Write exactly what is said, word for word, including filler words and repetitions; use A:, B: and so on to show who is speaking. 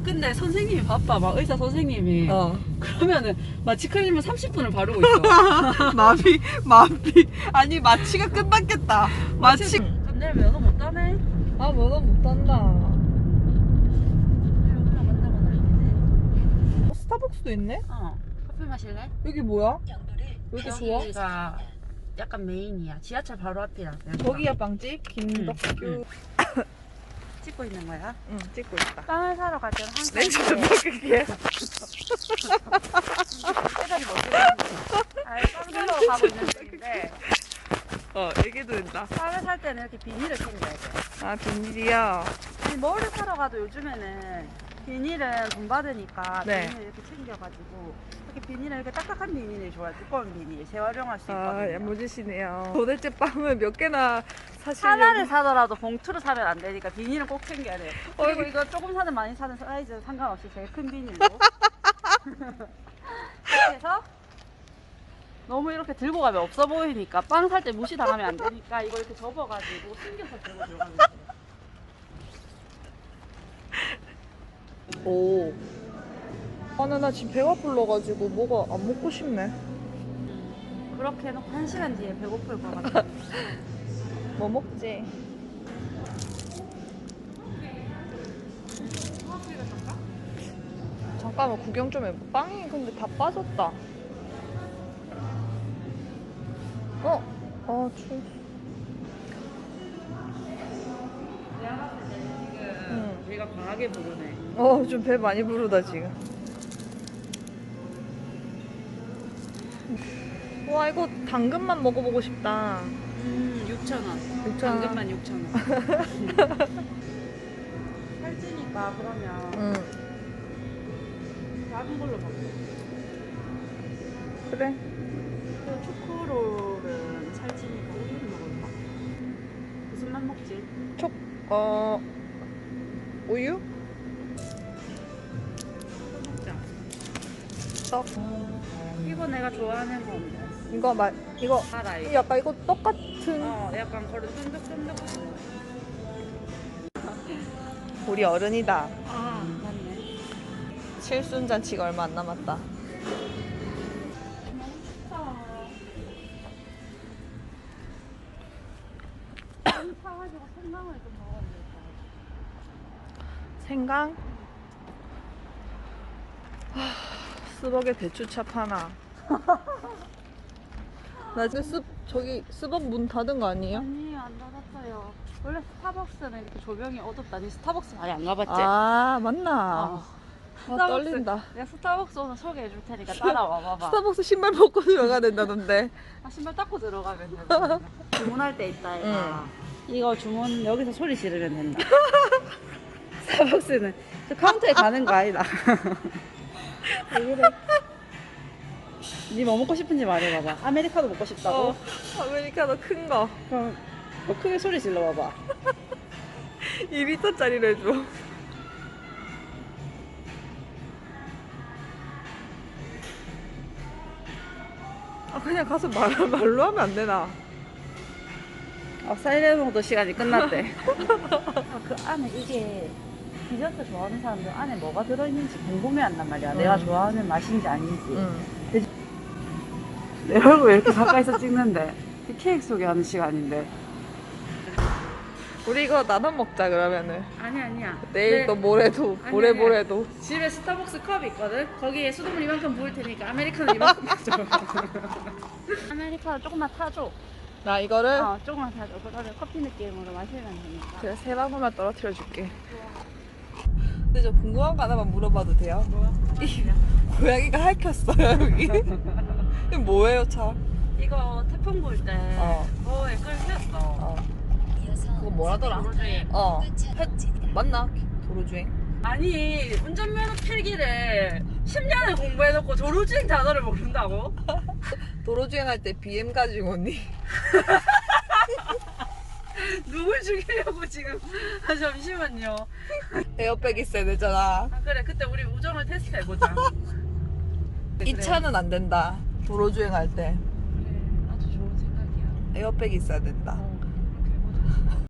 A: 근데 선생님이 바빠. 막 의사 선생님이.
B: 어.
A: 그러면은 마취 크림을 삼십 분을 바르고 있어.
B: 마비 마비 아니 마취가 끝났겠다. 마취.
A: 내일 면허 못 따네.
B: 아 면허 못 탄다.
A: 면허 간다고 날리지.
B: 어, 스타벅스도 있네?
A: 어. 커피 마실래?
B: 여기 뭐야? 왜 이렇게 좋아?
A: 여기가 약간 메인이야. 지하철 바로 앞이야.
B: 저기야 빵집 김덕규.
A: 응. 찍고 있는 거야?
B: 응 찍고 있다.
A: 빵을 사러 갈 때는 항상
B: 냉수 좀 먹을게.
A: 배달이 못 되는데. 아예 빵 사러 가고 있는 중인데
B: 어 얘기도 된다.
A: 빵을 살 때는 이렇게 비닐을 챙겨야 돼.
B: 아 비닐이야.
A: 아니, 뭐를 사러 가도 요즘에는 비닐은 돈 받으니까
B: 네.
A: 비닐을 이렇게 챙겨가지고 이렇게 비닐은 이렇게 딱딱한 비닐이 좋아요. 두꺼운 비닐 재활용할 수 있거든요.
B: 아 야무지시네요. 도대체 빵을 몇 개나 사시려고?
A: 하나를 사더라도 봉투로 사면 안 되니까 비닐은 꼭 챙겨야 돼요.
B: 어,
A: 그리고 이거 조금 사든 많이 사든 사이즈는 상관없이 제일 큰 비닐로 이렇게 해서 너무 이렇게 들고 가면 없어 보이니까 빵 살 때 무시당하면 안 되니까 이거 이렇게 접어가지고 숨겨서 들고 들어가면 돼요.
B: 오. 아나 나 지금 배가 불러가지고 뭐가 안 먹고 싶네.
A: 음, 그렇게 해놓고 한 시간 뒤에 배고플 것 같아.
B: 뭐 먹지? 잠깐만 구경 좀 해봐. 빵이 근데 다 빠졌다. 어? 아 추워.
A: 내가 봤을 때는 지금
B: 응.
A: 배가 강하게 부르네.
B: 어, 좀 배 많이 부르다 지금. 와 이거 당근만 먹어보고 싶다.
A: 음, 육천 원.
B: 육천 원.
A: 당근만 육천 원. 살찌니까 그러면
B: 응.
A: 작은 걸로 먹자.
B: 그래.
A: 그 초코롤은 살찌니까 우유를 먹을까? 무슨 맛 먹지?
B: 촉, 어, 우유?
A: 이거 먹자.
B: 떡.
A: 이거 내가 좋아하는 건데.
B: 이거 말, 이거
A: 알아 이거.
B: 약간 이거 떡 같은.
A: 어, 약간 그런 쫀득쫀득.
B: 우리 어른이다.
A: 아, 맞네.
B: 칠순잔치가 얼마 안 남았다.
A: 사가지고 생강을 좀 먹어야 되겠다.
B: 생강? 하, 스벅에 배추찹 하나. 나 지금 스, 저기 스벅 문 닫은 거 아니에요?
A: 아니, 안 닫았어요. 원래 스타벅스는 이렇게 조명이 어둡다니 스타벅스 많이 안 가봤지?
B: 아 맞나?
A: 어.
B: 아, 떨린다.
A: 내가 스타벅스 오늘 소개해 줄 테니까 따라와 봐봐.
B: 스타벅스 신발 벗고 들어가야 된다던데.
A: 아, 신발 닦고 들어가면 된다. 주문할 때 있다 이거. 이거 주문 여기서 소리 지르면 된다. 스타벅스는 저 카운터에 가는 거 아니다. 왜 그래? 니 뭐 먹고 싶은지 말해봐봐. 아메리카노 먹고 싶다고?
B: 어, 아메리카노 큰 거.
A: 그럼 더 크게 소리 질러봐봐.
B: 이 리터짜리로 해줘. 아 그냥 가서 말, 말로 하면 안 되나?
A: 아, 사이렌 시간이 끝났대. 아, 그 안에 이게 디저트 좋아하는 사람들 안에 뭐가 들어있는지 궁금해한단 말이야.
B: 음.
A: 내가 좋아하는 맛인지 아닌지.
B: 응.
A: 내 얼굴 왜 이렇게 가까이서 찍는데? 이 케이크 소개하는 시간인데.
B: 우리 이거 나눠 먹자 그러면은.
A: 아니 아니야.
B: 내일
A: 내
B: 또 모레도
A: 아니,
B: 모레
A: 아니야.
B: 모레도.
A: 집에 스타벅스 컵 있거든? 거기에 수돗물 이만큼 부을 테니까 아메리카노 이만큼 타줘. 아메리카노 조금만 타줘.
B: 나 이거를
A: 어, 조금만 타줘. 그거를 커피 느낌으로 마시면 되니까.
B: 제가 세 방울만 떨어뜨려 줄게. 근데 저 궁금한 거 하나만 물어봐도 돼요?
A: 뭐야?
B: 이 고양이가 핥혔어요 여기. 이거 뭐예요 차?
A: 이거 태풍 불 때
B: 어.
A: 거에 끌 세웠어.
B: 어. 그거 뭐라더라?
A: 도로주행.
B: 어. 펫 맞나? 도로주행?
A: 아니 운전면허 필기를 십 년을 공부해놓고 도로주행 단어를 모른다고?
B: 도로주행 할 때 비엠 가지고 오니?
A: 누굴 죽이려고 지금? 아, 잠시만요.
B: 에어백 있어야 되잖아.
A: 아, 그래 그때 우리 우정을 테스트해보자.
B: 이 차는 안 된다. 도로주행 할 때
A: 그래 아주 좋은 생각이야.
B: 에어백 있어야 된다.
A: 어.